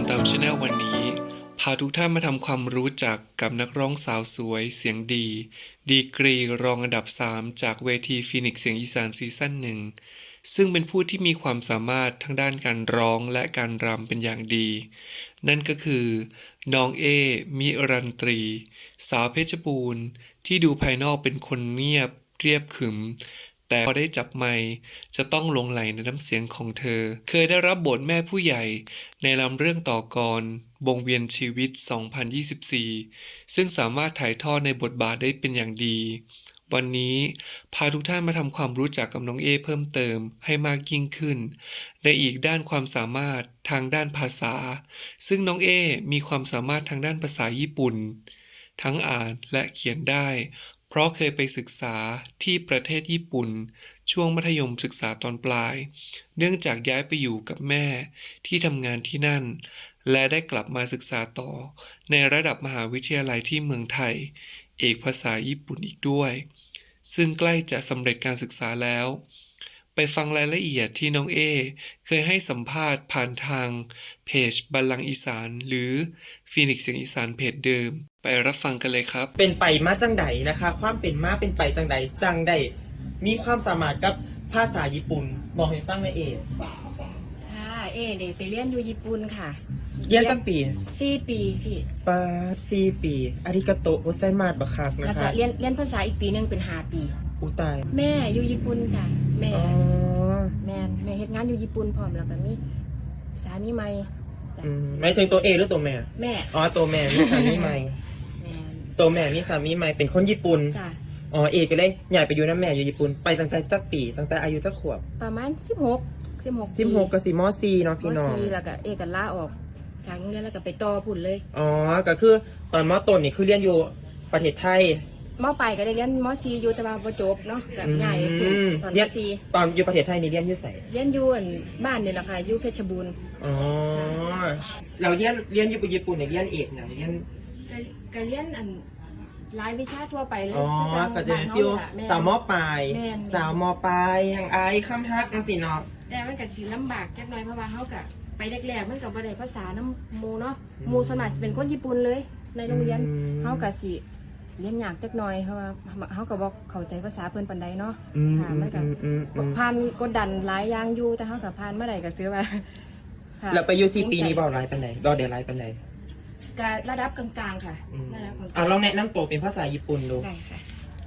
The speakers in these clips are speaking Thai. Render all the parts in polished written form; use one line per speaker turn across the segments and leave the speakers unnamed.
ตามช anel วันนี้พาทุกท่านมาทำความรู้จักกับนักร้องสาวสวยเสียงดีดีกรีรองอันดับ 3 จากเวทีฟีนิกซ์เสียงอีสานซีซั่นหนึ่งซึ่งเป็นผู้ที่มีความสามารถทั้งด้านการร้องและการรำเป็นอย่างดี นั่นก็คือน้องเอมิรันตรี สาวเพชรบูรณ์ที่ดูภายนอกเป็นคนเงียบเรียบขรึมแต่พอได้จับไมค์จะต้องหลงใหลในน้ำเสียงของเธอเคยได้รับบทแม่ผู้ใหญ่ในลำเรื่องต่อกรวงเวียนชีวิต 2024 ซึ่งสามารถถ่ายทอดในบทบาทได้เป็นอย่างดี วันนี้พาทุกท่านมาทำความรู้จักกับน้องเอเพิ่มเติมให้มากยิ่งขึ้นในอีกด้านความสามารถทางด้านภาษาซึ่งน้องเอมีความสามารถทางด้านภาษาญี่ปุ่นทั้งอ่านและเขียนได้เพราะเคยไปศึกษาที่ประเทศญี่ปุ่นช่วงมัธยมศึกษาตอนปลายเนื่องจากย้ายไปอยู่กับแม่ที่ทำงานที่นั่นและได้กลับมาศึกษาต่อในระดับมหาวิทยาลัยที่เมืองไทยเอกภาษาญี่ปุ่นอีกด้วยซึ่งใกล้จะสำเร็จการศึกษาแล้วไปฟังรายละเอียดที่น้องเอเคยให้สัมภาษณ์ผ่านทางเพจบัลลังก์อีสานหรือฟีนิกซ์เสียงอีสานเพจเดิมไปรับฟังกันเลยครับ
เป็นไปมาจังใดนะคะ ความเป็นมาเป็นไปจังใดจังใดมีความสามารถกับภาษาญี่ปุ่นบอกให้ฟังหน่อยเอง
ค่ะเด็กไปเรียนอยู่ญี่ปุ่นค่ะ
เรียนจังปี
4 ปีพี่
ปา4 ปีอาริกาโตโอไซมาสบักคักนะ
แล้วก็
คะ
เรียนภาษาอีกปีหนึงเป็น5 ปี
อุตาย
แม่อยู่ญี่ปุ่นจ้ะแม่
อ๋อ
แม่เฮ็ดงานอยู่ญี่ปุ่นพร้อมแล้วก็มีสามีใหม่จ้ะ
ไม่ถึงตัวเอหรือตัวแม่
แม่
อ๋อตัวแม่มีสามีใหม่
แม่
ตัวแม่มีสามีใหม่เป็นคนญี่ปุ่น
จ้ะ
อ๋อเอก็เลยย้ายไปอยู่น้ำแม่อยู่ญี่ปุ่นไปตั้งแต่จักปีตั้งแต่อายุจักขวบ
ประมาณ16
16กับ4ม4เนาะพี่น้อง
ม .4 แล้วก็ก็ลาออกจากโรงเรียนแล้วก็ไปต่อพุ่นเลย
อ๋อก็คือตอนมต้นนี่คือเรียนอยู่ประเทศไทย
มปลายก็ได้เรียนม .4 อยู่แต่ว่าบ่จบเนาะก็ย้ายไปพุ่นตอน
เรี
ม
ยน
.4
ตอนอยู่ประเทศไทยนี่เรียนอยู่ไส
เรียนอยู่บ้านนี่แหละค่ะอยู่เพชรบูรณ์
อ๋อเราเรียนญี่ปุ่นเนี่ยเรียนเอกเนี่ยเรียน
ก็เรียนรายวิชาทั่วไปเลย
อ๋อ
จัง
ก็จะ
บ้าน
ฟิว
เฮาแหละ
สาวมปลาย
แม่น
สาวมปลายยังอายคำฮักจังซี่เนาะ
แต่มันก็สิลำบากจักหน่อยเพราะว่าเฮาก็ไปแรกๆมันก็บ่ได้ภาษานำหมู่เนาะ
อืม
หมู่ส่วนมากสิเป็นคนญี่ปุ่นเลย ในโรงเรียน
อืม
เฮาก็สิเรียนยากจักหน่อยเพราะว่าเฮาก็บ่เข้าใจภาษาเพิ่นปานใดเนาะ
อืม
ค่ะมันก็ ผ่านกดดันหลายอย่างอยู่แต่เฮาก็ผ่านมาได้ก็ถือว่าค่ะ
แล้วไปอยู่4 ปีนี้บ่หลายปานใดบ่ได้หลายปานใด
ก็ระดับกลางๆค่ะ
อืม
ระดับกลางๆ
ลองแนะนำตัวเป็นภาษาญี่ปุ่นดู
ได้ค่ะ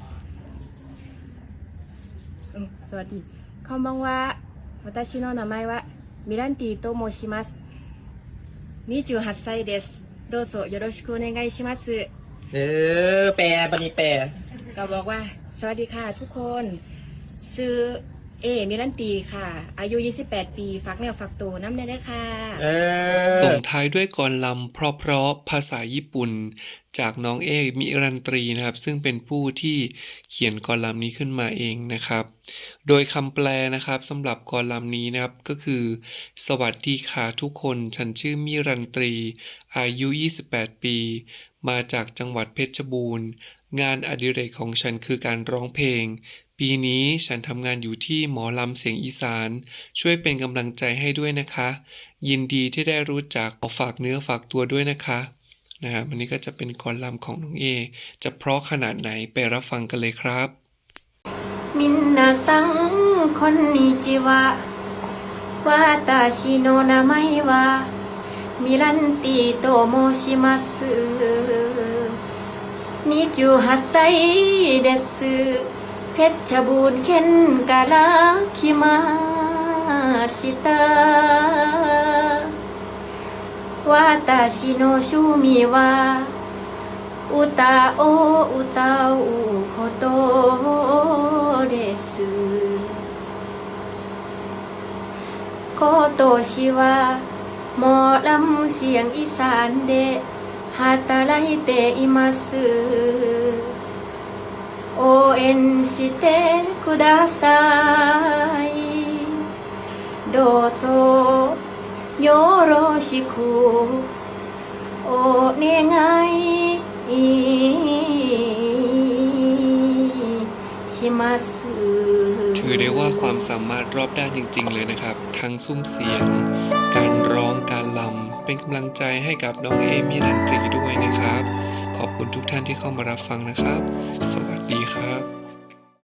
สวัสดีこんばんは私の名前はミランティと申します28歳ですどうぞよろしくお願いします
แปลบัดนี้แปล
ก็บอกว่าสวัสดีค่ะทุกคนซื้อมิรันตีค่ะอายุ28 ปีฝากเนื้อฝากตัวน้ำได้ค่ะ
ส่งท้ายด้วยกลอนลำเพราะๆภาษาญี่ปุ่นจากน้องเอมิรันตรีนะครับซึ่งเป็นผู้ที่เขียนกลอนลำนี้ขึ้นมาเองนะครับโดยคำแปลนะครับสำหรับกลอนลำนี้นะครับก็คือสวัสดีค่ะทุกคนฉันชื่อมิรันตรีอายุ28 ปีมาจากจังหวัดเพชรบูรณ์งานอดิเรกของฉันคือการร้องเพลงปีนี้ฉันทำงานอยู่ที่หมอลำเสียงอีสานช่วยเป็นกำลังใจให้ด้วยนะคะยินดีที่ได้รู้จักฝากเนื้อฝากตัวด้วยนะคะนะครับวันนี้ก็จะเป็นกลอนลำของน้องเอจะเพราะขนาดไหนไปรับฟังกันเลยครับ
みんなさんこんにちは私の名前はミランティと申します28歳ですเพชรบูรณ์เข็นกาลาคิมาชิตา私の趣味は歌を歌うことです今年はหมอลำเสียงอีสานで働いています応援してくださいどうぞよろしくお願いします
ถือได้ว่าความสามารถรอบด้านจริงๆเลยนะครับทั้งซุ้มเสียงการร้องการรเป็นกำลังใจให้กับน้องเอมิรันตรีด้วยนะครับ ขอบคุณทุกท่านที่เข้ามารับฟังนะครับ สวัสดีครับ